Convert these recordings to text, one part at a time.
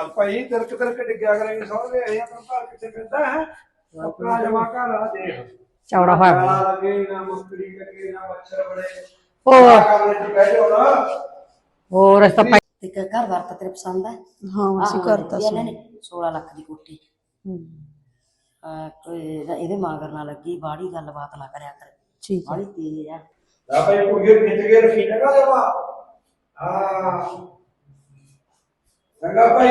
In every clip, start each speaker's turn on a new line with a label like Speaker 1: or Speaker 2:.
Speaker 1: ਚੱਲ ਭਾਈ ਤਿਰਕ ਤਿਰਕ ਡਿੱਗਿਆ ਕਰਾਂਗੇ ਸੌਂਦੇ ਇਹ ਆਪਣਾ ਘਰ ਕਿੱਥੇ ਪੈਂਦਾ ਹੈ ਆਪਣਾ ਜਮਾ ਘਰ ਆ ਦੇਖ
Speaker 2: ਚੌੜਾ ਹੋਇਆ
Speaker 1: ਨਾ ਲੱਗੇ ਨਾ ਮੁਸਕਰੀ ਲੱਗੇ ਨਾ ਮੱਛਰ ਬੜੇ
Speaker 2: ਹੋਰ
Speaker 1: ਕਮਰੇ 'ਚ ਬਹਿ ਜਾਓ ਨਾ
Speaker 2: ਹੋਰ ਰਸਤਾ
Speaker 3: ਤੇ ਘਰ ਵਾਰ ਤਾਂ ਤੇਰੇ ਪਸੰਦ ਹੈ?
Speaker 2: ਹਾਂ ਅਸੀਂ ਕਰਤਾ ਸੀ।
Speaker 3: ਇਹਨਾਂ ਨੇ 16 ਲੱਖ ਦੀ ਕੋਠੀ ਇਹਦੇ ਮਾਗਰ ਨਾ ਲੱਗੀ ਬਾੜੀ ਗੱਲਬਾਤ ਨਾ ਕਰਿਆ ਕਰ
Speaker 2: ਠੀਕ
Speaker 3: ਬਾੜੀ ਤੇਜ਼ ਆ
Speaker 1: ਲਾ ਭਾਈ ਕੁੜੀਏ ਖਿੱਚ ਕੇ ਰੱਖੀ ਜਗਾ ਜਮਾ ਹਾਂ ਚੰਗਾ ਭਾਈ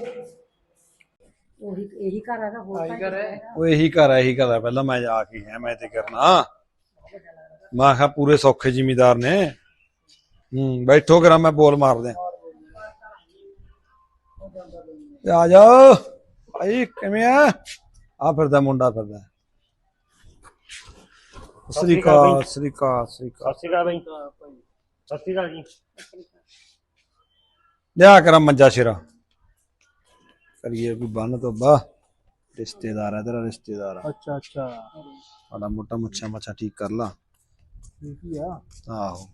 Speaker 3: ਉਹੀ ਇਹੀ ਘਰ ਹੈਗਾ ਹੋਰ
Speaker 1: ਉਹ ਇਹੀ ਘਰ ਹੈ ਪਹਿਲਾਂ ਮੈਂ ਜਾ ਕੇ ਆਇਆ ਮੈਂ ਤੇ ਕਰਨਾ ਮੈਂ ਕਿਹਾ ਪੂਰੇ ਸੌਖੇ ਜ਼ਿਮੀਦਾਰ ਨੇ ਬੈਠੋ ਕਰਾਂ ਮੈਂ ਬੋਲ ਮਾਰ ਦਿਆਂ ਆ ਜਾਓ ਭਾਈ ਕਿਵੇਂ ਆ ਫਿਰਦਾ ਮੁੰਡਾ ਫਿਰਦਾ ਸ੍ਰੀ ਅਕਾਲ ਸ੍ਰੀ ਅਕਾਲ ਸ੍ਰੀ ਅਕਾਲ
Speaker 4: ਸਤਿ ਸ਼੍ਰੀ ਅਕਾਲ ਬਾਈ ਸਤਿ ਸ਼੍ਰੀ ਅਕਾਲ ਜੀ
Speaker 1: ਲਿਆ ਕਰਾਂ ਮੰਜਾ ਸ਼ੇਰਾ ਕਰੀਏ ਕੋਈ ਬੰਨ ਤੋਂ ਬਾ ਰਿਸ਼ਤੇਦਾਰ ਹੈ ਤੇਰਾ ਰਿਸ਼ਤੇਦਾਰ
Speaker 4: ਅੱਛਾ
Speaker 1: ਸਾਡਾ ਮੋਟਾ ਮੁੱਛਾਂ ਮੱਛਾ ਠੀਕ ਕਰ ਲਾ
Speaker 4: ਠੀਕ ਆ
Speaker 1: ਆਹੋ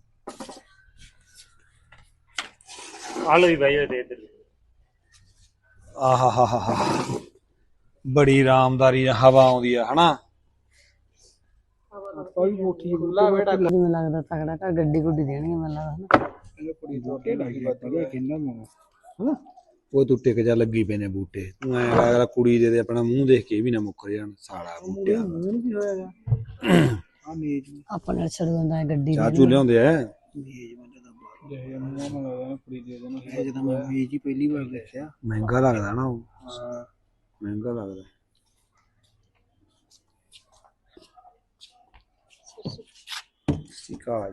Speaker 4: ਆ ਲੋ ਵੀ ਬਾਈ ਦੇ ਇੱਧਰ
Speaker 1: ਆਹਾ ਬੜੀ ਆਰਾਮਦਾਰੀ ਹਵਾ ਆਉਂਦੀ ਆ ਹਨਾ
Speaker 4: ਕੋਈ ਕੋਠੀ ਬੁੱਲਾ ਬੇਟਾ
Speaker 2: ਮੈਨੂੰ ਲੱਗਦਾ ਤਗੜਾ ਘਰ ਗੱਡੀ ਗੁੱਡੀ ਦੇਣਗੇ ਮੈਨੂੰ ਲੱਗਦਾ
Speaker 4: ਕੁੜੀ ਦੋਟੇ ਲੱਗੀ ਬੱਤੀ ਕਿੰਨਾ ਨੂੰ
Speaker 1: ਉਹ ਤੂੰ ਟਿਕ ਜਾ ਲੱਗੀ ਪਏ ਨੇ ਬੂਟੇ ਤੂੰ ਐ ਅਗਲਾ ਕੁੜੀ ਦੇ ਆਪਣਾ ਮੂੰਹ ਦੇਖ ਕੇ ਵੀ ਨਾ ਮੁੱਕਰ ਜਾਣ ਸਾਲਾ ਬੂਟਿਆਂ ਦਾ
Speaker 4: ਮੂੰਹ ਕੀ ਹੋਇਆਗਾ ਆ ਮੇਜ
Speaker 2: ਆਪਣੇ ਛੜੂ ਹੁੰਦਾ ਗੱਡੀ
Speaker 1: ਚਾਚੂ ਲਿਆਉਂਦੇ ਐ
Speaker 4: ਮੇਜ ਬੰਦੇ ਦਾ ਬਾਹਰ ਜੇ ਮੂੰਹ ਮੰਗਦਾ ਕੁੜੀ ਦੇ ਦੇਣਾ ਇਹ ਜਦੋਂ ਮੈਂ ਮੇਜ ਹੀ ਪਹਿਲੀ ਵਾਰ ਦੇਖਿਆ
Speaker 1: ਮਹਿੰਗਾ ਲੱਗਦਾ ਨਾ ਉਹ
Speaker 4: ਹਾਂ
Speaker 1: ਮਹਿੰਗਾ ਲੱਗਦਾ ਸਿਕਾ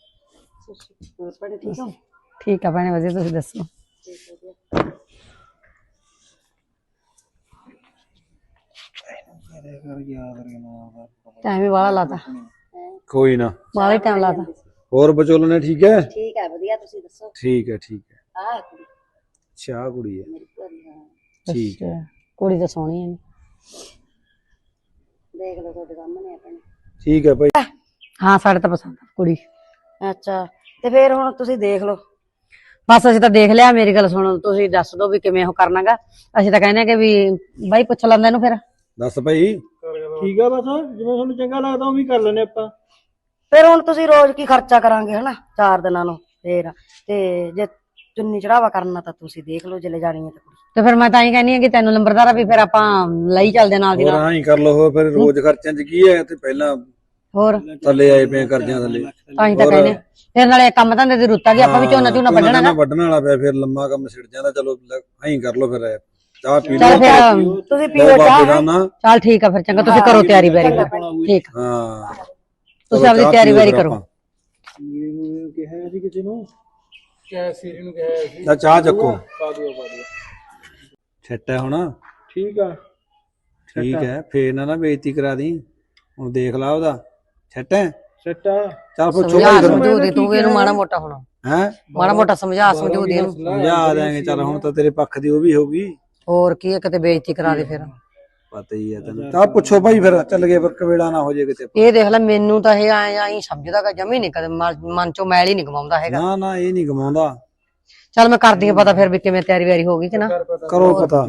Speaker 3: ਠੀਕ ਹੋ
Speaker 2: ਠੀਕ ਆ ਭੈਣੇ ਵਧੀਆ ਤੁਸੀਂ ਦੱਸੋ
Speaker 4: ਯਾਦ ਰੱਖਣਾ
Speaker 2: ਟਾਈਮ ਵੀ ਵਾਲਾ ਲਾਤਾ
Speaker 1: ਕੋਈ ਨਾ
Speaker 2: ਵਾਲਾ ਹੀ ਟਾਈਮ ਲਾਤਾ
Speaker 1: ਹੋਰ ਬਚੋਲ ਨੇ ਠੀਕ ਹੈ
Speaker 3: ਠੀਕ ਹੈ ਵਧੀਆ ਤੁਸੀਂ ਦੱਸੋ
Speaker 1: ਠੀਕ ਹੈ
Speaker 3: ਆਹ ਕੁੜੀ
Speaker 1: ਚਾਹ ਕੁੜੀ ਹੈ
Speaker 3: ਮੇਰੀ ਭੂਆ ਹਾਂ
Speaker 1: ਠੀਕ ਹੈ
Speaker 2: ਅੱਛਾ, ਕੁੜੀ ਤਾਂ ਸੋਹਣੀ ਹੈ
Speaker 3: ਦੇਖ ਲਓ ਤੁਹਾਡੇ ਸਾਹਮਣੇ ਆਪਣੇ
Speaker 1: ਠੀਕ ਹੈ ਭਾਈ
Speaker 2: ਹਾਂ ਸਾਡੇ ਤਾਂ ਪਸੰਦ ਆ ਕੁੜੀ
Speaker 3: ਅੱਛਾ ਤੇ ਫਿਰ ਹੁਣ ਤੁਸੀਂ ਦੇਖ ਲਓ
Speaker 2: ਬਸ ਅਸੀਂ ਤਾਂ ਦੇਖ ਲਿਆ ਮੇਰੀ ਗੱਲ ਸੁਣੋ ਤੁਸੀਂ ਦੱਸ ਦਿਓ ਵੀ ਕਿਵੇਂ ਉਹ ਕਰਨਾਗਾ ਅਸੀਂ ਤਾਂ ਕਹਿੰਦੇ ਆ ਕਿ ਵੀ ਬਾਈ ਪੁੱਛ ਲੈਂਦਾ ਇਹਨੂੰ ਫਿਰ
Speaker 1: ਦੱਸ ਭਾਈ
Speaker 4: ਠੀਕ ਆ ਬਸ ਜਿਵੇਂ ਤੁਹਾਨੂੰ ਚੰਗਾ ਲੱਗਦਾ ਉਵੇਂ ਕਰ ਲੈਨੇ ਆਪਾਂ
Speaker 3: ਫਿਰ ਹੁਣ ਤੁਸੀਂ ਰੋਜ਼ ਕੀ ਖਰਚਾ ਕਰਾਂਗੇ ਹਨਾ 4 ਦਿਨਾਂ ਨੂੰ ਫੇਰ ਤੇ ਜੇ ਚੁੰਨੀ ਚੜਾਵਾ ਕਰਨਾ ਤਾਂ ਤੁਸੀਂ ਦੇਖ ਲਓ ਜਿਲੇ ਜਾਣੀ ਹੈ ਤਾਂ ਕੁੜੀ
Speaker 2: ਤੇ ਫਿਰ ਮੈਂ ਤਾਂ ਹੀ ਕਹਿੰਦੀ ਆ ਕਿ ਤੈਨੂੰ ਨੰਬਰਦਾਰ ਆ ਵੀ ਫਿਰ ਆਪਾਂ ਲਈ ਚੱਲਦੇ ਨਾਲ ਦੀ
Speaker 1: ਹੋਰ
Speaker 2: ਨਾਲ
Speaker 1: ਹਾਂ ਹੀ ਕਰ ਲਓ ਫਿਰ ਰੋਜ਼ ਖਰਚਿਆਂ ਚ ਕੀ ਹੈ ਤੇ ਪਹਿਲਾਂ
Speaker 2: ਹੋਰ
Speaker 1: ਥੱਲੇ ਆਏ ਪਏ ਕਰਜ਼ਿਆਂ ਥੱਲੇ
Speaker 2: ਤਾਂ ਹੀ ਤਾਂ ਕਹਿੰਦੇ ਆ। ਫਿਰ ਨਾਲੇ ਕੰਮ ਧੰਦੇ ਦੀ ਰੁੱਤ ਆ ਗਈ ਆਪਾਂ ਵੀ ਝੋਨਾ ਵੱਢਣਾ ਨਾ
Speaker 1: ਵੱਢਣ ਵਾਲਾ ਪਿਆ ਫਿਰ ਲੰਮਾ ਕੰਮ ਛਿੜ ਜਾਂਦਾ ਚਲੋ ਐਂ ਕਰ ਲਓ ਫਿਰ ਚਾਹ ਪੀ
Speaker 2: ਚੱਲ
Speaker 1: ਲਓ
Speaker 2: ਫਿਰ
Speaker 3: ਤੁਸੀਂ
Speaker 1: ਦੋ
Speaker 3: ਪੀਓ
Speaker 1: ਬਾਬੇ
Speaker 3: ਚਾਹ
Speaker 1: ਦਾ ਨਾ
Speaker 2: ਚੱਲ ਠੀਕ ਆ ਫਿਰ ਚੰਗਾ ਤੁਸੀਂ ਕਰੋ ਤਿਆਰੀ ਵੈਰੀ ਠੀਕ ਆ।
Speaker 1: ਹਾਂ
Speaker 2: ਤੁਸੀਂ ਆਪਣੀ ਤਿਆਰੀ ਵੈਰੀ ਕਰੋ
Speaker 4: ਇਹਨੂੰ ਕਿਹਾ ਸੀ ਕਿਸੇ ਨੂੰ ਕਿਹਾ ਸੀਰੀ ਨੂੰ ਕਿਹਾ ਸੀ
Speaker 1: ਤਾਂ ਚਾਹ ਚੱਕੋ
Speaker 4: ਪਾ ਦਿਓ
Speaker 1: ਛੱਟ ਹੈ ਹੁਣ
Speaker 4: ਠੀਕ ਆ
Speaker 1: ਠੀਕ ਹੈ ਫੇਰ ਨਾ ਬੇਇੱਜ਼ਤੀ ਕਰਾ ਦੀ ਹੁਣ ਦੇਖ ਲਾ ਉਹਦਾ ਛੱਟ ਹੈ
Speaker 4: ਸੱਟਾ
Speaker 1: ਚੱਲ ਪੁੱਛੋ
Speaker 2: ਸਮਝਾ
Speaker 1: ਭਾਈ
Speaker 2: ਸਮਝੂ ਦੇ ਤੂੰ ਵੀ ਇਹਨੂੰ ਮਾੜਾ ਮੋਟਾ ਹੋਣਾ
Speaker 1: ਹੈ
Speaker 2: ਮਾੜਾ ਮੋਟਾ ਸਮਝਾ ਸਮਝੂ ਦੇ ਇਹਨੂੰ
Speaker 1: ਸਮਝਾ ਦਿਆਂਗੇ ਚੱਲ ਹੁਣ ਤਾਂ ਤੇਰੇ ਪੱਖ ਦੀ ਉਹ ਵੀ ਹੋਊਗੀ
Speaker 2: ਹੋਰ ਕੀ ਹੈ ਕਿਤੇ ਬੇਇੱਜ਼ਤੀ ਕਰਾ ਦੇ ਫਿਰ
Speaker 1: ਪਤਾ ਹੀ ਹੈ ਤੈਨੂੰ ਤਾਂ ਪੁੱਛੋ ਭਾਈ ਫਿਰ ਚੱਲ ਗਏ ਫਿਰ ਕਵੇੜਾ ਨਾ ਹੋ ਜੇ ਕਿਤੇ
Speaker 2: ਇਹ ਦੇਖ ਲੈ ਮੈਨੂੰ ਤਾਂ ਇਹ ਆਈ ਸਮਝਦਾ ਜਮੀ ਨਹੀਂ ਕਦੇ ਮਨ ਚੋਂ ਮੈਲ ਹੀ ਨਹੀਂ ਗਵਾਉਂਦਾ ਹੈਗਾ
Speaker 1: ਨਾ ਇਹ ਨਹੀਂ ਗਵਾਉਂਦਾ
Speaker 2: ਚੱਲ ਮੈਂ ਕਰਦੀ ਆ ਪਤਾ ਫਿਰ ਵੀ ਕਿਵੇਂ ਤਿਆਰੀ ਵੈਰੀ ਹੋ ਗਈ ਕਿ ਨਾ
Speaker 1: ਕਰੋ ਪਤਾ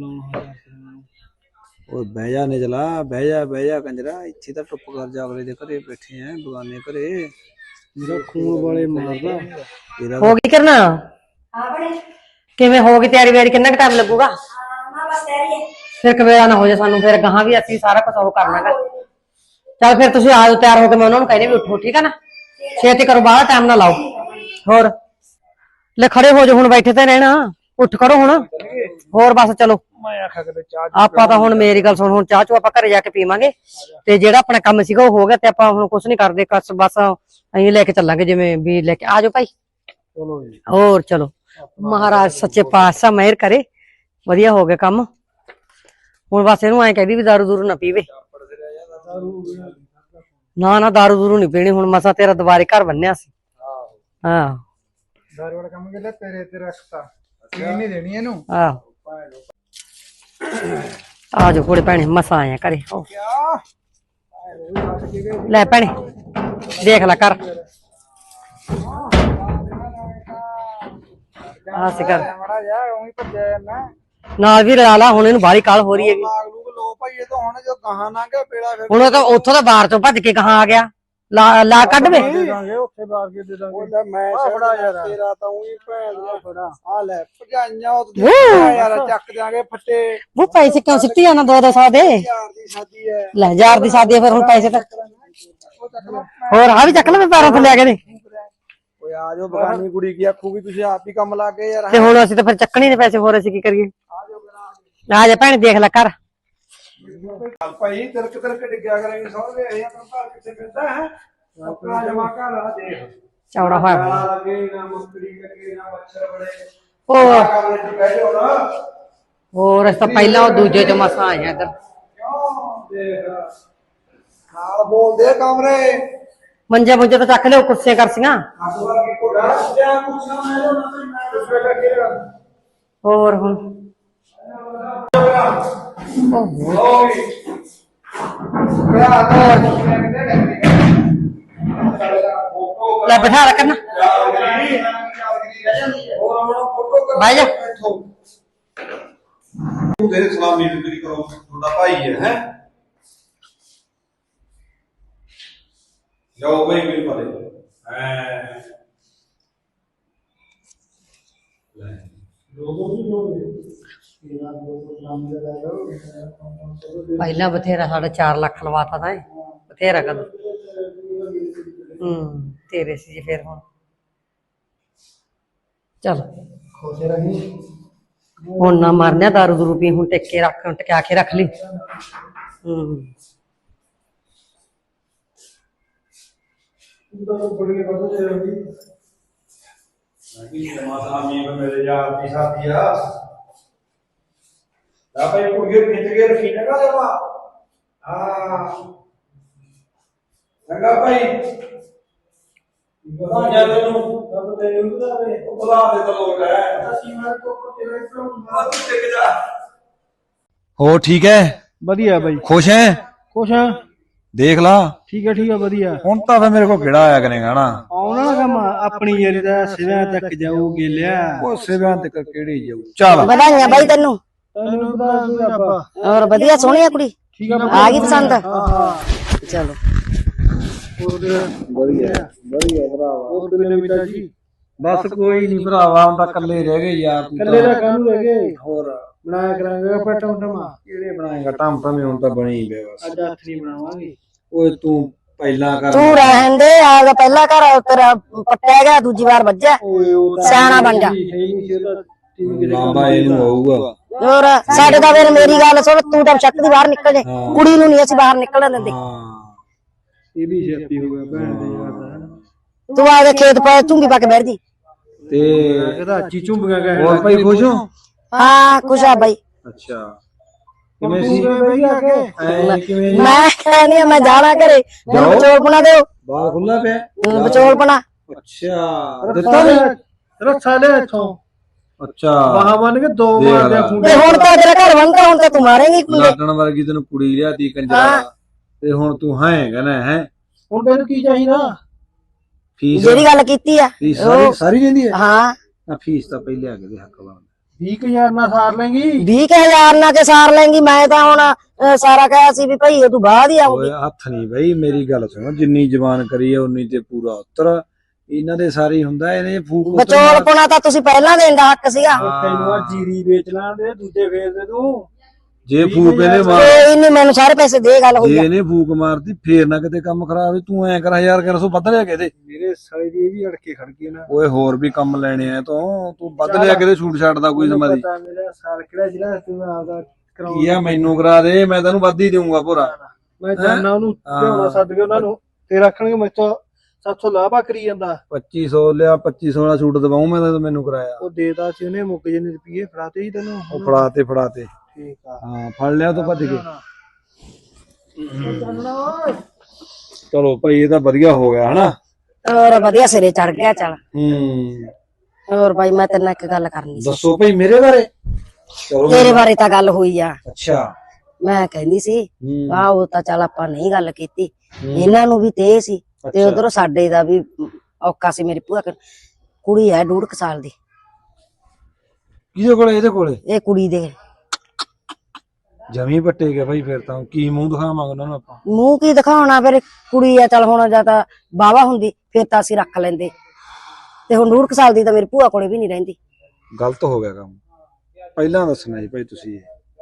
Speaker 1: ਉਹ ਬਹਿ ਜਾ ਨਿਜਲਾ ਬਹਿ ਜਾ ਕੰਜਰਾ ਇੱਥੇ ਤਾਂ ਟੁੱਪ ਕਰ ਜਾ ਅਗਲੇ ਦੇ ਘਰੇ ਬੈਠੇ ਆ ਬਗਾਨੇ ਘਰੇ
Speaker 4: ਮੇਰਾ ਖੂਨ ਵਾਲੇ ਮਾਰਦਾ
Speaker 1: ਤੇਰਾ
Speaker 2: ਹੋ ਗਈ ਕਰਨਾ ਕਿਵੇਂ ਹੋ ਗਈ ਤਿਆਰੀ ਵੈਰੀ ਕਿੰਨਾ ਕੁ ਟਾਈਮ ਲੱਗੂਗਾ ਫਿਰ ਕਵੇਲਾ ਨਾ ਹੋ ਜਾ ਸਾਨੂੰ ਫਿਰ ਗਾਹਾਂ ਵੀ ਅਸੀਂ ਸਾਰਾ ਕੁਝ ਉਹ ਕਰਨਾਗਾ ਚੱਲ ਫਿਰ ਤੁਸੀਂ ਆਜੋ ਤਿਆਰ ਹੋ ਕੇ ਮੈਂ ਉਹਨਾਂ ਨੂੰ ਕਹਿੰਦੀ ਵੀ ਉੱਠੋ ਠੀਕ ਆ ਨਾ ਛੇਤੀ ਕਰੋ ਬਾਹਲਾ ਟਾਈਮ ਨਾ ਲਾਓ ਹੋਰ ਲੈ ਖੜੇ ਹੋ ਜਾ ਹੁਣ ਬੈਠੇ ਤੇ ਰਹਿਣਾ ਉੱਠ ਖੜੋ ਹੁਣ ਹੋਰ ਬਸ ਚਲੋ
Speaker 4: ਮੈਂ ਆਖਿਆ ਕਦੇ ਚਾਹ
Speaker 2: ਆਪਾਂ ਤਾਂ ਹੁਣ ਮੇਰੀ ਗੱਲ ਸੁਣ ਹੁਣ ਚਾਹ ਚੋ ਆਪਾਂ ਘਰੇ ਜਾ ਕੇ ਪੀਵਾਂਗੇ ਤੇ ਜਿਹੜਾ ਆਪਣਾ ਕੰਮ ਸੀਗਾ ਉਹ ਹੋ ਗਿਆ ਤੇ ਆਪਾਂ ਹੁਣ ਕੁਝ ਨਹੀਂ ਕਰਦੇ ਬਸ ਅਸੀਂ ਲੈ ਕੇ ਚੱਲਾਂਗੇ ਜਿਵੇਂ ਵੀ ਲੈ ਕੇ ਆਜੋ ਭਾਈ
Speaker 4: ਚਲੋ ਜੀ
Speaker 2: ਹੋਰ ਚਲੋ ਮਹਾਰਾਜ ਸੱਚੇ ਪਾਤਸ਼ਾਹ ਮਿਹਰ ਕਰੇ ਵਧੀਆ ਹੋ ਗਿਆ ਕੰਮ ਹੁਣ ਬਸ ਇਹਨੂੰ ਐਂ ਕਹਿੰਦੀ ਵੀ ਦਾਰੂ ਦੂਰੂ ਨਾ ਪੀਵੇ ਨਾ ਦਾਰੂ ਦੂਰੂ ਨਹੀਂ ਪੀਣੀ ਹੁਣ ਮਸਾ ਤੇਰਾ ਦੁਬਾਰੇ ਘਰ ਬੰਨਿਆ ਸੀ ਹਾਂ
Speaker 4: ਦਾਰੂ ਵਾਲਾ ਕੰਮ ਕਿਹੜਾ ਤੇਰੇ ਤੇ ਰੱਖਤਾ ਪੀਣ ਨਹੀਂ ਦੇਣੀ ਇਹਨੂੰ
Speaker 2: ਆਹੋ ਆ ਜਾਓ ਕੁੜੇ ਭੈਣੇ ਮਸਾ ਆਇਆ ਘਰੇ ਹੋ ਲੈ ਭੈਣੇ ਦੇਖ ਲੈ ਕਰ ਆ ਸਿਕਰ
Speaker 4: ਮਾੜਾ ਜਾ ਉਹੀ ਭੱਜਿਆ ਜਾਂਦਾ
Speaker 2: ਨਾਲ ਵੀ ਰਲਾ ਲਾ, ਹੁਣ ਇਹਨੂੰ ਬਾਹਲੀ ਕਾਲ ਹੋ ਰਹੀ ਹੈਗੀ।
Speaker 4: ਲਾਗ ਲੂਗ ਲੋ ਭਾਈ ਇਹ ਤਾਂ ਹੁਣ ਜੋ ਗਾਹਾਂ ਨਾ ਗਿਆ ਬੇੜਾ ਫਿਰ
Speaker 2: ਹੁਣ ਉਹ ਤਾਂ ਉੱਥੋਂ ਦਾ ਬਾਹਰ ਤੋਂ ਭੱਜ ਕੇ ਕਹਾਂ ਆ ਗਿਆ। ਲਾ ਕੱਢ ਵੇ।
Speaker 4: ਦੇ ਦਾਂਗੇ ਉੱਥੇ ਬਾਹਰ ਕੇ ਦੇ ਦਾਂਗੇ। ਉਹਦਾ ਮੈਂ ਫੜਾ ਯਾਰ ਤੇਰਾ ਤਾਂ ਉਹੀ ਭੈਣ ਦਾ ਫੜਾ ਆ ਲੈ ਭਜਾਈਆਂ ਉਹ ਯਾਰ ਚੱਕ ਦਿਆਂਗੇ ਫੱਟੇ।
Speaker 2: ਉਹ ਪੈਸੇ ਕਿਉਂ ਸਿੱਟੀ ਜਾਣਾ 200 ਦੇ?
Speaker 4: ਯਾਰ ਦੀ ਸ਼ਾਦੀ ਹੈ
Speaker 2: ਲੈ 1000 ਦੀ ਸਾਦੀ ਫਿਰ ਹੁਣ ਪੈਸੇ ਤਾਂ ਹੋਰ ਆ ਵੀ ਚੱਕ ਲੈ, ਮੈਂ ਪੈਰਾਂ ਥੱਲੇ ਆ ਕੇ ਦੇ।
Speaker 4: ਓਏ ਆ ਜਾਓ ਬਗਾਨੀ ਕੁੜੀ ਕੀ ਆਖੂਗੀ ਤੁਸੀਂ ਆਪ ਹੀ ਕੰਮ ਲਾ ਕੇ ਯਾਰ।
Speaker 2: ਤੇ ਹੁਣ ਅਸੀਂ ਤਾਂ ਫਿਰ ਚੱਕਣੀ ਨੇ ਪੈਸੇ, ਹੋਰ ਅਸੀਂ ਕੀ ਕਰੀਏ? ਆ ਜਾ ਭੈਣ ਦੇਖ ਲੈ ਕਰ।
Speaker 4: ਭਾਈ ਤਿਰਕ ਤਿਰਕ ਡਿੱਗਿਆ ਕਰਾਂਗੇ ਸਹੁਰੇ ਇਹ ਆਪਣਾ ਘਰ ਕਿੱਥੇ ਫਿਰਦਾ ਹੈ ਆਪਣਾ ਜਮਾ ਘਰ ਆ ਦੇਖ
Speaker 2: ਚੌੜਾ ਹੋਇਆ
Speaker 4: ਨਾ ਲੱਗੇ ਨਾ ਮੁਸਕਰੀ ਲੱਗੇ ਨਾ ਮੱਛਰ ਬੜੇ
Speaker 2: ਹੋਰ
Speaker 4: ਕਮਰੇ 'ਚ ਬਹਿ ਜਾਓ ਨਾ
Speaker 2: ਹੋਰ ਅਸੀਂ ਤਾਂ ਪਹਿਲਾਂ ਉਹ ਦੂਜੇ ਚ ਮਸਾਂ ਆਏ ਆ ਇੱਧਰ।
Speaker 4: ਕਿਉਂ ਦੇਖ ਨਾਲ ਬੋਲਦੇ ਕਮਰੇ
Speaker 2: ਮੰਜੇ ਮੁੰਜੇ ਤਾਂ ਚੱਕ ਲਿਓ, ਕੁਰਸੀਆਂ ਕਰਸੀਆਂ
Speaker 4: ਅਸਵਾਰ ਕੀ ਕੋੜਾ ਜਾਂ ਕੁਛ ਨਾ ਮੈਂ ਨਾ ਕੁਛ ਲੱਗੇਗਾ
Speaker 2: ਹੋਰ ਹੁਣ ਲੈ ਬਿਠਾ ਰੱਖ ਨਾ ਬਾਈ ਜਾ।
Speaker 1: ਤੂੰ ਦੇ ਸਲਾਮੀ ਮੇਰੀ ਕਰੋ, ਤੁਹਾਡਾ ਭਾਈ ਹੈ ਜਾਓ ਭਾਈ ਮੇਰੇ ਪਾਲੇ
Speaker 2: ਪਹਿਲਾਂ ਬਥੇਰਾ ਸਾਡਾ 4 ਲੱਖ ਲਵਾਤਾ ਤਾਂ ਬਥੇਰਾ ਕਦ ਤੇਰੇ ਸੀ ਫਿਰ ਹੁਣ ਚਲ
Speaker 4: ਖੁਸ਼ ਰਹੀ
Speaker 2: ਹੁਣ ਨਾ ਮਰਨਿਆ ਦਾਰੂ ਦੂਰੂ ਪੀ, ਹੁਣ ਟਿੱਕੇ ਰੱਖ, ਟਿਕਾ ਕੇ ਰੱਖ ਲਈ।
Speaker 4: ਬੜੀ ਬਦਲ ਰਹੀ
Speaker 1: ਮੇਰੇ ਯਾਰ ਦੀ ਸਾਥੀ ਆ ਭਾਈ ਕੁੜੀਏ ਖਿੱਚ ਕੇ ਰੱਖੀ ਜਗਾ ਜਮਾ ਹਾਂ ਚੰਗਾ ਭਾਈ ਬਣਾ ਤੈਨੂੰ ਤਬ ਤੈਨੂੰ ਬੁਲਾਵੇ ਉਹ ਬੁਲਾ ਦੇ ਤਾਂ ਲੋਕ ਹੈ ਅਸੀਂ ਮੈਂ ਤੋਂ ਤੇਰੇ ਤੋਂ ਮਾਰ ਟਿਕ ਜਾ। ਹੋ ਠੀਕ ਹੈ?
Speaker 4: ਵਧੀਆ ਬਾਈ
Speaker 1: ਖੁਸ਼ ਹੈ?
Speaker 4: ਖੁਸ਼ ਆ
Speaker 1: ਦੇਖ ਲਾ
Speaker 4: ਠੀਕ ਹੈ ਵਧੀਆ।
Speaker 1: ਹੁਣ ਤਾਂ ਫੇ ਮੇਰੇ ਕੋਲ ਕਿਹੜਾ ਆਇਆ ਕਰੇਗਾ ਨਾ
Speaker 4: ਆਉਣਾ ਨਾ ਕੰਮ ਆਪਣੀ ਯਾਰੀ ਦਾ ਸਿਵਿਆਂ ਤੱਕ ਜਾਊਗੀ ਲਿਆ
Speaker 1: ਉਹ ਸਿਵਿਆਂ ਤੇ ਕਿਹੜੀ ਜਾਊ। ਚੱਲ
Speaker 3: ਵਧਾਈਆਂ ਬਾਈ ਤੈਨੂੰ।
Speaker 4: ਤੈਨੂੰ ਬਤਾ ਆਪਾਂ
Speaker 3: ਹੋਰ ਵਧੀਆ ਸੋਹਣੀ ਆ ਕੁੜੀ,
Speaker 4: ਠੀਕ ਆ
Speaker 3: ਆ ਗਈ ਪਸੰਦ?
Speaker 4: ਹਾਂ
Speaker 3: ਚਲੋ
Speaker 4: ਵਧੀਆ ਭਰਾਵਾ ਹੋਰ ਕਿੰਨੇ ਮਿੰਟਾਂ ਜੀ
Speaker 1: ਬਸ ਕੋਈ ਨਹੀਂ ਭਰਾਵਾ, ਹੁਣ ਤਾਂ ਇਕੱਲੇ ਰਹਿ ਗਏ ਯਾਰ ਤੂੰ
Speaker 4: ਕੱਲੇ ਦਾ ਕਾਹਨੂੰ ਰਹਿ ਗਏ
Speaker 1: ਹੋਰ
Speaker 4: ਬਣਾਇਆ ਕਰਾਂਗੇ ਆਪਾਂ ਟਮਟਮਾ
Speaker 1: ਕਿਹੜੇ ਬਣਾਏਗਾ ਟਾਮ ਟਾਮੇ ਹੁਣ ਤਾਂ ਬਣੀ ਹੀ ਪਿਆ ਬਸ।
Speaker 4: ਅੱਜ ਹੱਥ ਨਹੀਂ ਬਣਾਵਾਂਗੇ
Speaker 1: ਓਏ ਤੂੰ ਪਹਿਲਾਂ ਕਰ
Speaker 3: ਤੂੰ ਰਹਿਣ ਦੇ, ਆਗਾ ਪਹਿਲਾ ਘਰ ਤੇਰਾ ਪੱਟਿਆ ਗਿਆ, ਦੂਜੀ ਵਾਰ ਵੱਜਿਆ,
Speaker 4: ਓਏ ਉਹ
Speaker 3: ਸਿਆਣਾ ਬਣ ਜਾ।
Speaker 1: ਲਾਂਬਾ ਇਹਨੂੰ ਆਊਗਾ।
Speaker 3: ਹੋਰ ਸਾਡੇ ਤਾਂ ਫਿਰ ਮੇਰੀ ਗੱਲ ਸੁਣ, ਤੂੰ ਤਾਂ ਸ਼ੱਕ ਦੀ ਬਾਹਰ ਨਿਕਲ ਜੇ, ਕੁੜੀ ਨੂੰ ਨਹੀਂ ਅਸੀਂ ਬਾਹਰ ਨਿਕਲਣ ਦਿੰਦੇ।
Speaker 1: ਹਾਂ
Speaker 4: ਇਹ ਵੀ ਛੇਤੀ ਹੋ ਗਿਆ ਭੈਣ ਦੇ ਯਾਰ ਦਾ
Speaker 3: ਤੂੰ ਆਗੇ ਖੇਤ ਪਾ ਝੁੰਗੀ ਪਾ ਕੇ ਬੈਠ ਜੀ।
Speaker 1: ਤੇ
Speaker 4: ਇਹਦਾ ਅੱਛੀ ਝੁੰਬੀਆਂ ਕਹਿ
Speaker 1: ਹੋਰ ਭਾਈ ਖੁਸ਼ ਹੋ?
Speaker 3: ਹਾਂ ਖੁਸ਼ ਆ ਬਾਈ।
Speaker 1: ਅੱਛਾ ਕਿਵੇਂ ਸੀ ਐ ਕਿਵੇਂ ਜੀ?
Speaker 3: ਮੈਂ ਕਹਿੰਦੀ ਆ ਮੈਂ ਜਾਣਾ ਘਰੇ, ਮੈਨੂੰ ਵਿਚੋਲ ਬਣਾ ਦਿਓ,
Speaker 1: ਬਾਹਰ ਖੁੱਲਾ ਪਿਆ।
Speaker 3: ਵਿਚੋਲ ਬਣਾ।
Speaker 1: ਅੱਛਾ ਦਿੱਤਾ ਨੀ?
Speaker 4: ਰੱਖਾ ਲੈ ਇੱਥੋਂ
Speaker 1: ਅੱਛਾ
Speaker 4: ਬਾਹਾਂ ਬੰਨ ਕੇ ਦੋ
Speaker 1: ਦੇਖ
Speaker 4: ਮਾਰਦੇ
Speaker 1: ਲੈ।
Speaker 4: ਖੁੰਡੇ
Speaker 3: ਤੇ ਹੁਣ ਤਾਂ ਤੇਰਾ ਘਰ ਬਣਦਾ, ਹੁਣ ਤਾਂ ਤੂੰ ਮਾਰੇਂਗੀ ਕੁੰਡੇ।
Speaker 1: ਲਾਟਣ ਵਰਗੀ ਤੈਨੂੰ ਕੁੜੀ ਲਿਆਤੀ ਕੰਜਰਾ ਤੇ ਹੁਣ ਤੂੰ ਹੈ ਕਹਿੰਦਾ ਹੈ
Speaker 4: ਹੁਣ ਤੈਨੂੰ ਕੀ ਚਾਹੀਦਾ?
Speaker 1: ਫੀਸ
Speaker 3: ਜਿਹੜੀ ਗੱਲ ਕੀਤੀ ਆ
Speaker 1: ਫੀਸ ਸਾਰੀ ਰਹਿੰਦੀ ਹੈ
Speaker 3: ਹਾਂ,
Speaker 1: ਨਾ ਫੀਸ ਤਾਂ ਪਹਿਲੇ ਆ ਕੇ ਦੇ ਹੱਕ ਬਣਦਾ
Speaker 4: 20000 ਨਾਲ ਸਾਰ ਲੈਂਗੀ।
Speaker 3: 20,000 ਨਾਲ ਕੇ ਸਾਰ ਲੈਂਗੀ। ਮੈਂ ਤਾਂ ਹੁਣ ਸਾਰਾ ਕਹਿਆ ਸੀ ਵੀ ਭਾਈ ਤੂੰ ਬਾਅਦ ਹੀ ਆਉਂਗੀ।
Speaker 1: ਓਏ ਹੱਥ ਨਹੀਂ ਬਈ, ਮੇਰੀ ਗੱਲ ਸੁਣੋ, ਜਿੰਨੀ ਜ਼ਬਾਨ ਕਰੀ ਹੈ ਉਨੀ ਤੇ ਪੂਰਾ ਉੱਤਰ। ਇਹਨਾਂ ਦੇ ਸਾਰੀ ਹੁੰਦਾ ਇਹਨੇ ਫੂਕ ਉੱਤਰ
Speaker 3: ਵਿਚੋਲ ਪੁਣਾ ਤਾਂ ਤੁਸੀਂ ਪਹਿਲਾਂ ਦੇਣ ਦਾ ਹੱਕ ਸੀਗਾ।
Speaker 4: ਤੈਨੂੰ ਆ ਜੀਰੀ ਵੇਚ ਲੈਣ ਦੇ, ਦੂਜੇ ਫੇਰ ਦੇ ਤੂੰ
Speaker 1: ਜੇ ਫੂਕ ਇਹਨੇ ਮਾਰ
Speaker 3: ਕੋਈ ਨਹੀਂ, ਮੈਨੂੰ ਸਾਰੇ ਪੈਸੇ ਦੇ, ਗੱਲ ਹੋਈ
Speaker 1: ਜੇ
Speaker 3: ਆ।
Speaker 1: ਇਹਨੇ ਫੂਕ ਮਾਰਦੀ ਫੇਰ ਨਾ ਕਿਤੇ ਕੰਮ ਖਰਾਬ ਹੋਵੇ। ਤੂੰ ਐ ਕਰ 1000 ਵੱਧ ਲਿਆ ਕੇ ਦੇ।
Speaker 4: ਮੇਰੇ ਸਾਲੇ ਦੀ ਇਹ ਵੀ ਅੜਕੇ ਖੜ ਗਏ ਨਾ।
Speaker 1: ਓਏ ਹੋਰ ਵੀ ਕੰਮ ਲੈਣੇ ਆ ਤੂੰ ਵੱਧ ਲਿਆ ਕੇ ਦੇ, ਛੂਟ ਛੱਡਦਾ ਕੋਈ ਸਮਾਦੀ
Speaker 4: ਪਤਾ ਮੇਰਾ ਸਾਲ ਕਿਹੜਾ ਜਿਹੜਾ ਤੂੰ ਆਪਦਾ ਕਰਾਉਂ।
Speaker 1: ਕੀ ਆ ਮੈਨੂੰ ਕਰਾ ਦੇ, ਮੈਂ ਤੈਨੂੰ ਵੱਧ ਹੀ ਦੇਊਂਗਾ ਭੋਰਾ।
Speaker 4: ਮੈਂ ਜਾਣਾ ਉਹਨੂੰ ਲਿਆਉਣਾ ਛੱਡ ਕੇ ਉਹਨਾਂ ਨੂੰ ਤੇ ਰੱਖਣਗੇ ਮੈਥੋਂ 700 ਲਾਭਾ ਕਰੀ ਜਾਂਦਾ।
Speaker 1: 2500 ਲਿਆ, 2500 ਵਾਲਾ ਛੂਟ ਦਵਾਉਂ ਮੈਂ ਤਾਂ ਮੈਨੂੰ ਕਰਾਇਆ।
Speaker 4: ਉਹ ਦੇਦਾ ਸੀ ਉਹਨੇ, ਮੁੱਕ ਜੇ ਰੁਪਏ ਫੜਾਤੇ ਹੀ ਤੈਨੂੰ।
Speaker 1: ਉਹ ਫੜਾਤੇ
Speaker 4: ਠੀਕ ਆ
Speaker 1: ਹਾਂ, ਫੜ ਲਿਆ ਤੂੰ ਭੱਜ ਕੇ। ਚਲੋ ਭਾਈ ਇਹ ਤਾਂ ਵਧੀਆ ਹੋ ਗਿਆ ਹਨਾ।
Speaker 3: ਹੋਰ ਵਧੀਆ ਸਿਰੇ ਚੜ ਗਿਆ। ਚੱਲ ਹੋਰ ਬਾਈ ਮੈਂ ਤੇਰੇ ਨਾਲ ਇੱਕ ਗੱਲ ਕਰਨੀ ਸੀ।
Speaker 1: ਦੱਸੋ ਭਾਈ ਮੇਰੇ ਬਾਰੇ। ਚਲੋ
Speaker 3: ਤੇਰੇ ਬਾਰੇ ਤਾਂ ਗੱਲ ਹੋਈ ਆ।
Speaker 1: ਅੱਛਾ
Speaker 3: ਮੈਂ ਕਹਿੰਦੀ ਸੀ ਆਹ ਉਹ ਤਾਂ ਚੱਲ ਆਪਾਂ ਨਹੀਂ ਗੱਲ ਕੀਤੀ, ਇਹਨਾਂ ਨੂੰ ਵੀ ਤੇ ਸੀ ਤੇ ਉਧਰੋਂ ਸਾਡੇ ਦਾ ਵੀ ਔਕਾ ਸੀ। ਮੇਰੀ ਭੂਆ ਕੁੜੀ ਹੈ 1.5 ਸਾਲ ਦੀ।
Speaker 1: ਕਿਹਦੇ ਕੋਲੇ? ਇਹਦੇ ਕੋਲੇ
Speaker 3: ਇਹ ਕੁੜੀ ਦੇ।
Speaker 1: ਜਮੀ ਪੱਟੇ ਗਿਆ ਭਾਈ। ਫਿਰ ਤਾਂ ਕੀ ਮੂੰਹ ਦਿਖਾਵਾਂਗੇ ਉਹਨਾਂ ਨੂੰ ਆਪਾਂ?
Speaker 3: ਮੂੰਹ ਕੀ ਦਿਖਾਉਣਾ, ਫਿਰ ਕੁੜੀ ਆ, ਚੱਲ ਹੁਣ ਜਾਂ ਤਾਂ ਬਾਵਾ ਹੁੰਦੀ ਫਿਰ ਤਾਂ ਅਸੀਂ ਰੱਖ ਲੈਂਦੇ, ਤੇ ਹੁਣ 1.5 ਸਾਲ ਦੀ ਤਾਂ ਮੇਰੀ ਭੂਆ ਕੋਲੇ ਵੀ ਨਹੀਂ ਰਹਿੰਦੀ।
Speaker 1: ਗਲਤ ਹੋ ਗਿਆ ਕੰਮ, ਪਹਿਲਾਂ ਦੱਸਣਾ ਜੀ ਭਾਈ ਤੁਸੀਂ।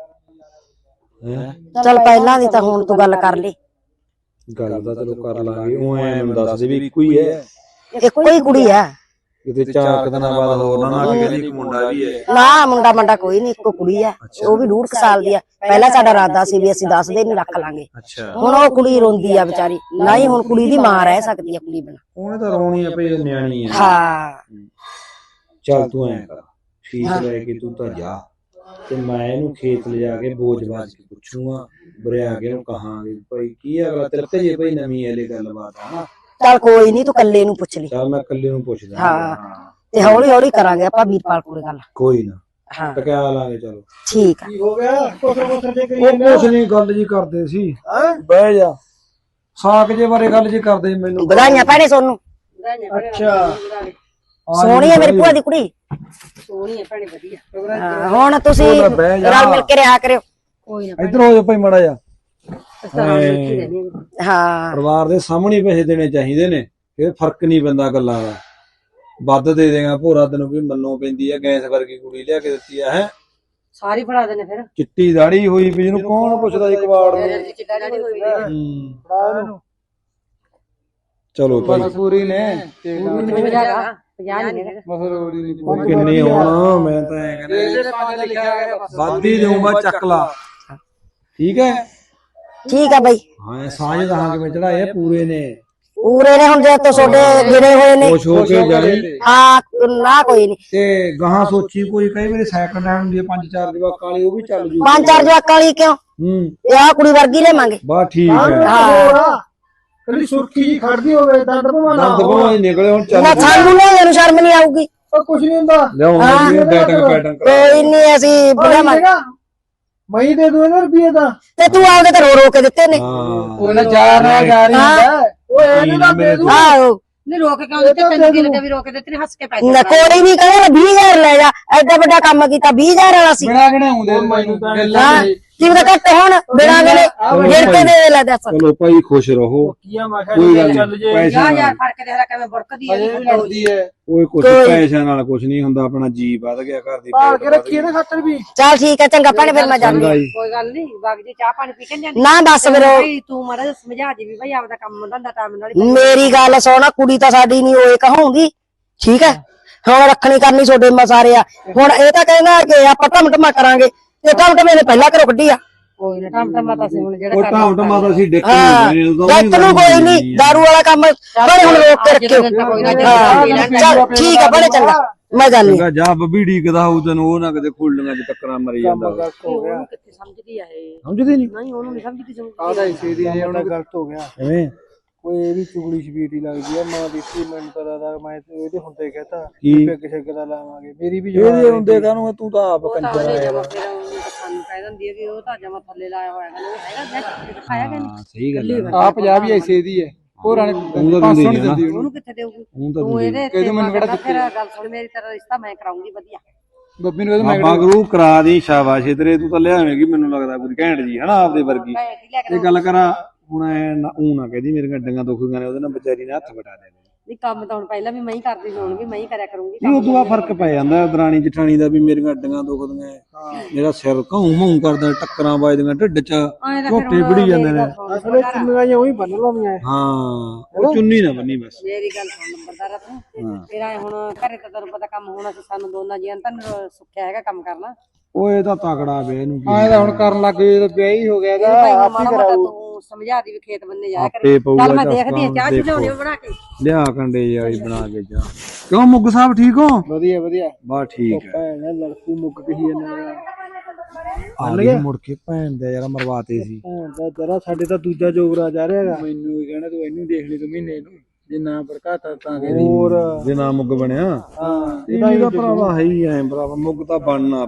Speaker 3: ਚੱਲ ਪਹਿਲਾਂ ਦੀ ਤਾਂ ਹੁਣ ਤੂੰ ਗੱਲ ਕਰ ਲਈ।
Speaker 1: ਗੱਲ ਤਾਂ ਚਲੋ ਕਰ ਲਾਂਗੇ, ਉਹ ਐ ਮੈਨੂੰ ਦੱਸ ਦੇ ਵੀ ਇੱਕੋ ਹੀ ਹੈ।
Speaker 3: ਇੱਕੋ ਹੀ ਕੁੜੀ ਆ।
Speaker 1: ਕਿਤੇ 4 ਦਿਨਾਂ ਬਾਅਦ ਹੋਰ ਨਾ ਕਿ ਕਹਿੰਦੀ ਇੱਕ ਮੁੰਡਾ ਵੀ ਹੈ।
Speaker 3: ਨਾ ਮੁੰਡਾ ਕੋਈ ਨਹੀਂ, ਇੱਕੋ ਕੁੜੀ ਆ, ਉਹ ਵੀ 1.5 ਸਾਲ ਦੀ ਆ। ਪਹਿਲਾਂ ਸਾਡਾ ਇਰਾਦਾ ਸੀ ਵੀ ਅਸੀਂ 10 ਦਿਨ ਹੀ ਰੱਖ ਲਾਂਗੇ,
Speaker 1: ਅੱਛਾ।
Speaker 3: ਹੁਣ ਉਹ ਕੁੜੀ ਰੋਂਦੀ ਆ ਵਿਚਾਰੀ, ਨਾ ਹੀ ਹੁਣ ਕੁੜੀ ਦੀ ਮਾਂ ਰਹਿ ਸਕਦੀ ਆ ਕੁੜੀ ਬਿਨਾਂ।
Speaker 1: ਉਹਨੇ ਤਾਂ ਰੋਣੀ ਆ ਭਈ, ਨਿਆਣੀ ਹੈ।
Speaker 3: ਹਾਂ
Speaker 1: ਚੱਲ ਤੂੰ ਐ ਕਰ, ਫੀਸ ਲੈ ਕੇ ਤੂੰ ਤਾਂ ਜਾ, ਤੇ ਮੈਂ ਇਹਨੂੰ ਖੇਤ ਲਿਜਾ ਕੇ ਬੋਝ-ਬਾਜ ਕੇ ਪੁੱਛੂਗਾ, ਬਰਿਆ ਕੇ ਉਹਨੂੰ ਕਹਾਂਗੇ ਭਾਈ ਕੀ ਅਗਲਾ ਤਿਲਕ ਜੇ ਭਾਈ ਨਵੀਂ ਇਹਲੇ ਗੱਲਬਾਤ ਆ।
Speaker 3: ਚੱਲ ਕੋਈ ਨਹੀਂ, ਤੂੰ ਕੱਲੇ ਨੂੰ ਪੁੱਛ ਲਈ।
Speaker 1: ਚੱਲ ਮੈਂ ਇਕੱਲੇ ਨੂੰ ਪੁੱਛਦਾ।
Speaker 3: ਹਾਂ ਤੇ ਹੌਲੀ ਹੌਲੀ ਕਰਾਂਗੇ ਆਪਾਂ ਵੀਰਪਾਲ ਕੋਲੇ ਗੱਲ।
Speaker 1: ਕੋਈ ਨਾ,
Speaker 3: ਹਾਂ
Speaker 1: ਟਕਿਆ ਲਾਂਗੇ। ਚਲੋ
Speaker 3: ਠੀਕ ਆ।
Speaker 4: ਹੋ ਗਿਆ ਕੁਛ ਜੇ ਕਰੀ
Speaker 1: ਉਹ ਕੁਛ ਨਹੀਂ, ਗੱਲ ਜੀ ਕਰਦੇ ਸੀ। ਬਹਿ ਜਾ, ਸਾਕ ਜੇ ਬਾਰੇ ਗੱਲ ਜੀ ਕਰਦੇ ਮੈਨੂੰ।
Speaker 3: ਵਧਾਈਆਂ ਭੈਣੇ ਸੋਨੂੰ।
Speaker 4: ਅੱਛਾ
Speaker 3: ਸੋਹਣੀ ਹੈ ਮੇਰੀ ਭੂਆ ਦੀ ਕੁੜੀ।
Speaker 2: ਸੋਹਣੀ ਹੈ ਭੈਣੇ, ਵਧੀਆ।
Speaker 3: ਹਾਂ, ਹੁਣ ਤੁਸੀਂ
Speaker 1: ਉਹ ਲੈ ਬਹਿ ਜਾ।
Speaker 3: ਰਲ ਮਿਲ ਕੇ ਰਿਹਾ ਕਰਿਓ।
Speaker 2: ਕੋਈ ਨਾ
Speaker 1: ਇੱਧਰ ਹੋ ਜਾ ਭਾਈ ਮਾੜਾ ਜਾ।
Speaker 3: ਹਾਂ
Speaker 1: ਪਰਿਵਾਰ ਦੇ ਸਾਹਮਣੇ ਪੈਸੇ ਦੇਣੇ ਚਾਹੀਦੇ ਨੇ, ਫਿਰ ਫਰਕ ਨਹੀਂ ਪੈਂਦਾ ਗੱਲਾਂ ਦਾ। ਵੱਧ ਦੇ ਦੇਗਾ ਭੋਰਾ ਤੈਨੂੰ ਵੀ ਮੰਨੋ ਪੈਂਦੀ ਆ। ਗੈਸ ਵਰਗੀ ਕੁੜੀ ਲਿਆ ਕੇ ਦਿੱਤੀ ਆ। ਹੈ
Speaker 2: ਸਾਰੀ ਫੜਾ ਦੇਣੇ ਫਿਰ।
Speaker 1: ਚਿੱਟੀ ਦਾੜੀ ਹੋਈ ਪਈ, ਜਿਹਨੂੰ ਕੌਣ ਪੁੱਛਦਾ ਜੀ ਕਵਾੜ ਨੂੰ। ਚਲੋ ਭਾਈ
Speaker 4: ਪੂਰੀ ਨੇ
Speaker 1: ਉਹ ਕਿੰਨੀ ਹੋਣਾ, ਮੈਂ ਤਾਂ ਐ ਕਹਿੰਦਾ ਵੱਧ ਹੀ ਦੇਊਂਗਾ, ਚੱਕ ਲਾ। ਠੀਕ ਹੈ
Speaker 3: ਠੀਕ ਆ ਬਾਈ।
Speaker 1: ਹਾਂ, ਸਾਂਝ ਦਾ ਕਿਵੇਂ ਚੜਾਏ ਪੂਰੇ ਨੇ।
Speaker 3: ਪੂਰੇ ਨੇ ਹੁਣ ਜੇ ਤੋਂ ਛੋਟੇ ਗਿਰੇ ਹੋਏ ਨੇ।
Speaker 1: ਖੁਸ਼ ਹੋ ਕੇ ਜਾਣੀ।
Speaker 3: ਹਾਂ ਨਾ ਕੋਈ ਨਹੀਂ।
Speaker 1: ਤੇ ਗਾਹਾਂ ਸੋਚੀ ਕੋਈ, ਕਈ ਵਾਰੀ ਸੈਕਿੰਡ ਹੈਂਡ ਹੁੰਦੀ ਹੈ 5-4 ਜਵਾਕਾਂ ਵਾਲੀ, ਉਹ ਵੀ ਚੱਲ ਜੂ।
Speaker 3: 5-4 ਜਵਾਕਾਂ ਵਾਲੀ ਕਿਉਂ? ਇਹ ਆ ਕੁੜੀ ਵਰਗੀ ਲੈਵਾਂਗੇ।
Speaker 1: ਬਸ ਠੀਕ ਹੈ।
Speaker 3: ਹਾਂ
Speaker 4: ਕਦੀ ਸੁਰਖੀ ਜੀ ਖੜਦੀ ਹੋਵੇ ਦੰਦ ਭਵਾਨਾ
Speaker 1: ਦੰਦ ਭਵਾਈ ਨਿਕਲੇ ਹੁਣ ਚੱਲ।
Speaker 3: ਨਾ ਸਾਨੂੰ ਨਹੀਂ, ਇਹਨੂੰ ਸ਼ਰਮ ਨਹੀਂ ਆਊਗੀ।
Speaker 4: ਉਹ ਕੁਛ ਨਹੀਂ ਹੁੰਦਾ।
Speaker 1: ਲਿਆਉਂਗੇ ਬੈਟਿੰਗ ਪੈਟਿੰਗ
Speaker 3: ਕੋਈ ਨਹੀਂ, ਅਸੀਂ ਬਣਾਵਾਂਗੇ।
Speaker 4: ਮੈਂ ਦੇ ਦੂੰ ਇਹਨਾਂ ਰੁਪਏ ਦਾ।
Speaker 3: ਤੇ ਤੂੰ ਆਪਦੇ ਤੇ ਰੋ ਰੋ ਕੇ ਦਿੱਤੇ ਨੇ।
Speaker 4: ਉਹ ਨਾ ਜਾ ਰਿਹਾ ਹੁੰਦਾ। ਓਏ ਇਹਨੂੰ ਨਾ ਦੇ ਦੂੰ।
Speaker 3: ਆਹੋ
Speaker 2: ਨਹੀਂ ਰੋਕ ਕਿਉਂ ਦਿੱਤੇ? ਤੈਨੂੰ ਕੀ ਲੱਗਿਆ ਵੀ ਰੋਕ ਦਿੱਤੇ ਨੇ? ਹੱਸ ਕੇ ਪੈਸੇ
Speaker 3: ਨਾ ਕੋਈ ਨਹੀਂ ਕਹਿੰਦਾ 20,000 ਲੈ ਜਾ, ਐਡਾ ਵੱਡਾ ਕੰਮ ਕੀਤਾ 20,000 ਵਾਲਾ ਸੀ।
Speaker 4: ਬਿਨਾ ਗਣਾਉਂਦੇ ਮੈਨੂੰ ਤਾਂ
Speaker 3: ਹਾਂ ਕੀ ਪਤਾ ਘੱਟ ਹੁਣ ਬਿਨਾਂ ਗਲੇ ਗਿਣ ਕੇ ਦੇ ਲੈ ਦੱਸ।
Speaker 1: ਚਲੋ ਭਾਈ ਖੁਸ਼ ਰਹੋ,
Speaker 4: ਕੀਆ ਮੈਂ
Speaker 1: ਕੋਈ ਗੱਲ
Speaker 4: ਚੱਲ
Speaker 1: ਨਹੀਂ।
Speaker 4: ਜੇ
Speaker 1: ਪੈਸੇ
Speaker 2: ਯਾਰ
Speaker 1: ਨਾਲ
Speaker 2: ਫੜ ਕੇ ਦੇਖ ਲੈ ਕਿਵੇਂ ਬੁੜਕਦੀ ਹੈ।
Speaker 4: ਅਜੇ ਵੀ ਲੜਦੀ ਹੈ।
Speaker 1: ਕੋਈ ਕੁਛ ਪੈਸਿਆਂ ਨਾਲ ਕੁਛ ਨਹੀਂ ਹੁੰਦਾ, ਆਪਣਾ ਜੀ ਵੱਧ ਗਿਆ, ਘਰ ਦੀ
Speaker 4: ਭਾਲ ਕੇ ਰੱਖੀਏ ਨਾ ਖਾਤਰ ਵੀ।
Speaker 3: ਚੱਲ ਠੀਕ ਹੈ, ਚੰਗਾ ਭੈਣੇ ਫਿਰ ਮੈਂ ਜਾਂਦੀ।
Speaker 1: ਚੰਗਾ ਜੀ।
Speaker 2: ਕੋਈ ਗੱਲ ਨਹੀਂ, ਬਾਗ ਜੀ ਚਾਹ ਪਾਣੀ ਪੀ ਕੇ ਜਾਂਦੀ।
Speaker 3: ਨਾ ਬਸ ਫਿਰ ਉਹ
Speaker 2: ਭਾਈ ਤੂੰ ਮਾੜਾ ਜਿਹਾ ਸਮਝਾ ਦੀ ਵੀ ਭਾਈ ਆਪਦਾ ਕੰਮ ਧੰਦਾ ਟਾਈਮ ਨਾਲ ਹੀ।
Speaker 3: ਮੇਰੀ ਗੱਲ ਸੁਣ, ਕੁੜੀ ਤਾਂ ਸਾਡੀ ਨਹੀਂ ਹੋਏ ਕਹਾਉਂਗੀ, ਠੀਕ ਹੈ? ਹੁਣ ਰੱਖਣੀ ਕਰਨੀ ਛੋਡੇ ਮਸਾਰੇ ਆ। ਹੁਣ ਇਹ ਤਾਂ ਕਹਿੰਦਾ ਕਿ ਆਪਾਂ ਟਮਟਮਾ ਕਰਾਂਗੇ, ਤੇ ਟਮਟਮੇ ਨੇ ਪਹਿਲਾਂ ਘਰੋਂ ਕੱਢੀ ਆ।
Speaker 2: ਕੋਈ ਨਾ ਟਮਟਮਾ ਤਾਂ ਸੀ ਹੁਣ ਜਿਹੜਾ
Speaker 1: ਉਹ ਟਾਉਂ ਤਾਂ ਅਸੀਂ ਡਿੱਕ
Speaker 3: ਹਾਂ ਜੱਟ ਨੂੰ ਕੋਈ ਨਹੀਂ, ਦਾਰੂ ਵਾਲਾ ਕੰਮ ਬੜੇ ਹੁਣ ਰੋਕ ਕੇ ਰੱਖਿਓ। ਚੱਲ ਠੀਕ ਹੈ ਬੜੇ ਚੰਗਾ, ਮੈਂ ਜਾਣੀ।
Speaker 1: ਚੰਗਾ ਜਾ, ਬੱਬੀ ਢੀਕਦਾ ਹੋਊ ਤੈਨੂੰ, ਉਹ ਨਾ ਕਿਤੇ ਖੁੱਲੀਆਂ ਚ ਟੱਕਰਾਂ ਮਰੀ ਜਾਂਦਾ।
Speaker 2: ਉਹਨੂੰ ਕਿੱਥੇ ਸਮਝਦੀ ਆ ਇਹ?
Speaker 1: ਸਮਝਦੀ ਨਹੀਂ।
Speaker 2: ਨਹੀਂ ਉਹਨੂੰ ਨਹੀਂ ਸਮਝਦੀ ਸਮਝਦੀ।
Speaker 4: ਆਦਾ ਇਸੇ ਦੀ ਨੇ ਉਹਨਾਂ ਗਲਤ ਹੋ ਗਿਆ।
Speaker 1: ਐਵੇਂ
Speaker 4: ਕੋਈ ਇਹ ਵੀ ਚੁਗਲੀ ਛਬੀਟੀ ਲੱਗਦੀ ਆ। ਮਾਂ ਦੀ ਸੀ ਮੈਨੂੰ ਪਤਾ ਦਾ, ਮੈਂ ਤੇ ਇਹਦੇ ਹੁੰਦੇ ਕਹਤਾ
Speaker 1: ਕੀ?
Speaker 4: ਕਿ ਕਿਸੇ ਗੱਲ ਲਾਵਾਂਗੇ। ਮੇਰੀ ਵੀ
Speaker 1: ਇਹਦੇ ਹੁੰਦੇ ਕਾਹਨੂੰ, ਤੂੰ ਤਾਂ ਆਪ ਕੰਜਰ
Speaker 2: ਉਹਨੇ
Speaker 1: ਆਇਆ।
Speaker 2: ਜਮਾ ਫਿਰ ਉਹਨੂੰ ਸਾਨੂੰ ਕਹਿ ਦਿੰਦੀ ਹੈ ਵੀ ਉਹ ਤਾਂ ਜਮਾ ਥੱਲੇ ਲਾਇਆ ਹੋਇਆ ਹੈ। ਉਹ ਹੈਗਾ ਮੈਂ ਦਿਖਾਇਆ ਕਿ ਨਹੀਂ?
Speaker 1: ਸਹੀ ਗੱਲ ਹੈ।
Speaker 4: ਆ ਪੰਜਾਬ ਹੀ ਐਸੇ ਦੀ ਹੈ। ਹੋਰਾਂ ਨੇ
Speaker 1: ਤਾਂ ਦਿੰਦੀ
Speaker 4: 500
Speaker 1: ਨੀ
Speaker 4: ਨਹੀਂ ਦਿੰਦੀ ਉਹਨੂੰ।
Speaker 2: ਉਹਨੂੰ ਕਿੱਥੇ ਦੇਊਗੀ?
Speaker 1: ਹੁਣ ਤਾਂ
Speaker 2: ਤੂੰ ਇਹਦੇ
Speaker 4: ਇਹਦੇ ਮੈਨੂੰ ਕਿਹੜਾ
Speaker 2: ਫਿਰ ਗੱਲ ਸੁਣ ਮੇਰੀ, ਤੇਰਾ ਰਿਸ਼ਤਾ ਮੈਂ ਕਰਾਉਂਗੀ ਵਧੀਆ।
Speaker 4: ਬੱਬੀ ਨੂੰ ਕਹਿੰਦਾ
Speaker 1: ਬਾਬਾ ਗੁਰੂ ਕਰਾ ਦੀ, ਸ਼ਾਬਾਸ਼ ਤੇਰੇ, ਤੂੰ ਤਾਂ ਲਿਆਵੇਂਗੀ ਮੈਨੂੰ ਲੱਗਦਾ ਕੋਈ ਘੈਂਟ ਜੀ, ਹਨਾ ਆਪਦੇ ਵਰਗੀ।
Speaker 2: ਮੈਂ ਕੀ ਲੈ ਕੇ
Speaker 1: ਇਹ ਗੱਲ ਕਰਾਂ ਹੁਣ, ਐ ਨਾ ਕਹਦੀ ਮੇਰੀਆਂ ਡੰਗਾਂ ਦੁਖੀਆਂ ਨੇ, ਉਹਦੇ ਨਾਲ ਵਿਚਾਰੀ ਨੇ ਹੱਥ ਵਟਾ ਦੇਣੇ।
Speaker 2: ਨਹੀਂ ਕੰਮ ਤਾਂ ਹੁਣ ਪਹਿਲਾਂ ਵੀ ਮੈਂ ਹੀ ਕਰਦੀ ਸੀ, ਹੁਣ ਵੀ ਮੈਂ ਹੀ ਕਰਿਆ ਕਰੂੰਗੀ।
Speaker 1: ਇਹ ਉਦੋਂ ਆ ਫਰਕ ਪੈ ਜਾਂਦਾ ਦਰਾਣੀ ਜਠਾਣੀ ਦਾ, ਵੀ ਮੇਰੀਆਂ ਅੱਡੀਆਂ ਦੁਖਦੀਆਂ, ਮੇਰਾ ਸਿਰ ਘਾਉ ਮਾਉ ਕਰਦਾ, ਟੱਕਰਾਂ ਵੱਜਦੀਆਂ ਢਿੱਡ 'ਚ, ਝੋਟੇ ਵੜੀ ਜਾਂਦੇ ਨੇ।
Speaker 4: ਅਸਲੇ ਚੁੰਨੀਆਂ ਜਿਹੀਆਂ ਉਹੀ ਬੰਨ ਲਾਉਂਦੀਆਂ।
Speaker 1: ਹਾਂ ਉਹ ਚੁੰਨੀ ਨਾ ਬੰਨੀ ਬਸ।
Speaker 2: ਮੇਰੀ ਗੱਲ ਸੁਣ ਨੰਬਰਦਾਰਾ ਤੂੰ, ਤੇਰਾ ਹੁਣ ਘਰੇ ਤਾਂ ਤੈਨੂੰ ਪਤਾ ਕੰਮ ਹੋਣਾ ਸੀ, ਸਾਨੂੰ ਦੋਨਾਂ ਜੀਆਂ ਨੂੰ ਤਾਂ ਸੁੱਖਿਆ ਹੈਗਾ ਕੰਮ ਕਰਨਾ।
Speaker 1: ਉਹ ਇਹ ਤਾਂ ਤਕੜਾ ਵੇ, ਇਹਨੂੰ ਕੀ
Speaker 4: ਆਏ ਤਾਂ ਹੁਣ ਕਰਨ ਲੱਗ ਗਏ, ਜਦੋਂ ਵਿਆਹ ਹੀ ਹੋ ਗਿਆ ਇਹਦਾ
Speaker 2: ਭਾਈ
Speaker 4: ਆਪ ਹੀ
Speaker 2: ਮਾੜਾ ਮੋਟਾ
Speaker 4: ਕਰਾਊ।
Speaker 2: ਤੂੰ ਸਮਝਾ ਦੀ ਵੀ ਖੇਤ ਬੰਨੇ ਜਾਇਆ
Speaker 1: ਆਪੇ
Speaker 2: ਕਰੇ।
Speaker 1: ਪਊਗਾ
Speaker 2: ਚੱਲ ਮੈਂ
Speaker 1: ਚੱਲ
Speaker 2: ਦੇਖਦੀ ਹਾਂ ਚਾਹ
Speaker 1: ਦੇਖੋ।
Speaker 2: ਚਲਾਉਣੀ ਬਣਾ ਕੇ।
Speaker 1: ਲਿਆ ਕੰਡੇ ਜਾਈ ਬਣਾ ਕੇ ਜਾ। ਕਿਉਂ ਮੁੱਗ ਸਾਹਿਬ ਠੀਕ ਹੋ?
Speaker 4: ਵਧੀਆ ਵਧੀਆ।
Speaker 1: ਬਸ ਠੀਕ ਹੈ।
Speaker 4: ਭੈਣ ਲੜਕੂ ਮੁੱਕ ਗਈ ਇਹਨਾਂ
Speaker 1: ਆ ਗਏ ਮੁੜ ਕੇ, ਭੈਣ ਦਾ ਯਾਰ ਮਰਵਾਤੇ ਸੀ।
Speaker 4: ਦਾ ਜਰਾ ਸਾਡੇ ਤਾਂ ਦੂਜਾ ਜੋਗਰਾ ਜਾ ਰਿਹਾ ਹੈਗਾ। ਮੈਨੂੰ ਵੀ ਕਹਿਣਾ ਤੂੰ ਇਹਨੂੰ ਦੇਖ ਲਈ ਤੂੰ ਮਹੀਨੇ ਨੂੰ, ਜੇ ਨਾ ਭੜਕਾਤਾ ਤਾਂ ਕਹਿੰਦੀ
Speaker 1: ਹੋਰ ਜੇ ਨਾ ਮੁੱਗ ਬਣਿਆ।
Speaker 4: ਹਾਂ
Speaker 1: ਇਹਦਾ ਤਾਂ ਭਰਾਵਾ ਹੈ ਹੀ ਐ ਭਰਾਵਾ, ਮੁੱਗ ਤਾਂ ਬਣਨਾ।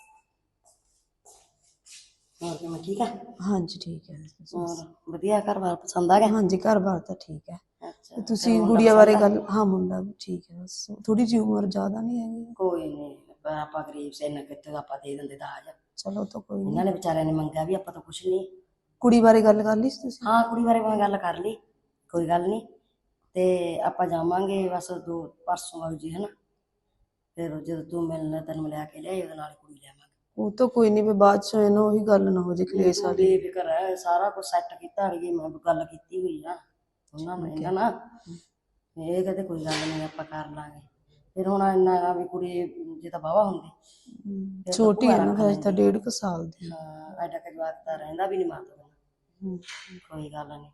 Speaker 3: ਹੋਰ ਕਿਵੇਂ ਠੀਕ ਆ?
Speaker 5: ਹਾਂਜੀ ਠੀਕ ਹੈ।
Speaker 3: ਹੋਰ ਵਧੀਆ, ਘਰ-ਬਾਰ ਪਸੰਦ ਆ ਗਿਆ?
Speaker 5: ਹਾਂਜੀ ਘਰ-ਬਾਰ ਤਾਂ ਠੀਕ ਹੈ।
Speaker 3: ਅੱਛਾ
Speaker 5: ਤੁਸੀਂ ਗੁੜੀਆ ਬਾਰੇ ਗੱਲ? ਹਾਂ ਮੁੰਡਾ ਵੀ ਠੀਕ ਹੈ, ਬਸ ਥੋੜੀ ਜਿਹੀ ਉਮਰ ਜ਼ਿਆਦਾ ਨਹੀਂ ਹੈਗੀ।
Speaker 3: ਕੋਈ ਨਹੀਂ
Speaker 2: ਪਰ ਆਪਾਂ ਗਰੀਬ ਸੇ ਨਾ ਕਿਤੇ ਆਪਾਂ ਦੇ ਦਿੰਦੇ ਦਾਜ।
Speaker 5: ਚਲੋ ਤਾਂ ਕੋਈ ਨਹੀਂ।
Speaker 2: ਇਹਨਾਂ ਨੇ ਵਿਚਾਰਿਆਂ ਨੇ ਮੰਗਿਆ ਵੀ ਆਪਾਂ ਤਾਂ ਕੁਛ ਨਹੀਂ।
Speaker 5: ਕੁੜੀ ਬਾਰੇ ਗੱਲ ਕਰ ਲਈ ਸੀ ਤੁਸੀਂ?
Speaker 2: ਹਾਂ ਕੁੜੀ ਬਾਰੇ ਮੈਂ ਗੱਲ ਕਰ ਲਈ, ਕੋਈ ਗੱਲ ਨਹੀਂ। ਤੇ ਆਪਾਂ ਜਾਵਾਂਗੇ ਬਸ ਪਰਸੋਂ ਆਉ ਜੀ ਹਨਾ। ਫਿਰ ਜਦੋਂ ਤੂੰ ਮਿਲਣਾ ਤੈਨੂੰ ਮਿਲਿਆ ਕੇ ਲਿਆਈ ਉਹਦੇ ਨਾਲ ਕੁੜੀ ਲਿਆਵਾਂਗੇ।
Speaker 5: ਉਹ ਤਾਂ ਕੋਈ ਨਹੀਂ, ਵੀ ਬਾਅਦ ਚ ਇਹਨੂੰ ਉਹੀ ਗੱਲ ਨਾ ਹੋ ਜੇ ਕਲੇਸ਼ ਵਾਲੀ।
Speaker 2: ਬੇਫਿਕਰ ਹੈ, ਸਾਰਾ ਕੁਝ ਸੈੱਟ ਕੀਤਾ ਅੜੀਏ, ਮੈਂ ਗੱਲ ਕੀਤੀ ਹੋਈ ਆ ਉਹਨਾਂ ਨੇ ਇਹਨਾਂ ਨਾਲ। ਇਹ ਕਹਿੰਦੇ ਕੋਈ ਗੱਲ ਨਹੀਂ ਆਪਾਂ ਕਰ ਲਾਂਗੇ। ਫਿਰ ਹੁਣ ਇੰਨਾ ਆ ਵੀ ਕੁੜੀ ਜੇ ਤਾਂ ਵਾਹਵਾ ਹੁੰਦੀ ਫਿਰ ਤਾਂ
Speaker 5: ਛੋਟੀ
Speaker 2: ਭੂਆ
Speaker 5: ਹੈ ਨਾ,
Speaker 2: ਰੱਖ
Speaker 5: ਹਜੇ ਤਾਂ
Speaker 2: ਲੈਂਦੀ।
Speaker 5: 1.5 ਸਾਲ ਦੀ।
Speaker 2: ਹਾਂ ਐਡਾ ਕੁ ਜਵਾਕ ਤਾਂ ਰਹਿੰਦਾ ਵੀ ਨਹੀਂ ਮਾਤਾ ਬਿਨਾਂ। ਕੋਈ ਗੱਲ ਨਹੀਂ।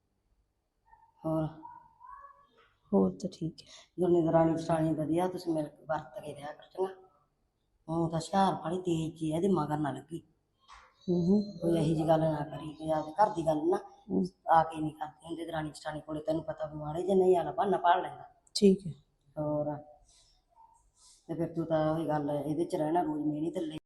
Speaker 5: ਹੋਰ ਤਾਂ ਠੀਕ ਹੈ।
Speaker 2: ਦੋਨੇ ਦਰਾਣੀ ਜਠਾਣੀ ਵਧੀਆ, ਤੁਸੀਂ ਮਿਲ ਕੇ ਵਰਤ ਕੇ ਰਿਹਾ ਕਰ ਚੰਗਾ। ਉਹ ਤਾਂ ਹੁਸ਼ਿਆਰ ਵਾਲੀ ਤੇਜ਼ ਜੀ, ਇਹਦੇ ਮਗਰ ਨਾ ਲੱਗੀ, ਕੋਈ ਇਹੋ ਜਿਹੀ ਗੱਲ ਨਾ ਕਰੀ, ਕੋਈ ਆਪਦੇ ਘਰ ਦੀ ਗੱਲ ਨਾ ਆ ਕੇ ਨਹੀਂ ਕਰਦੇ ਹੁੰਦੇ ਦਰਾਣੀ ਜਠਾਣੀ ਕੋਲੇ। ਤੈਨੂੰ ਪਤਾ ਵੀ ਮਾੜੇ ਜੇ ਨਹੀਂ ਆਲਾ ਬਹਾਨਾ ਪਾੜ ਲੈਂਦਾ।
Speaker 5: ਠੀਕ ਹੈ।
Speaker 2: ਹੋਰ ਤੇ ਫਿਰ ਤੂੰ ਤਾਂ ਉਹੀ ਗੱਲ ਇਹਦੇ ਚ ਰਹਿਣਾ, ਰੋਜ਼ ਮੇਰੀ ਤੇ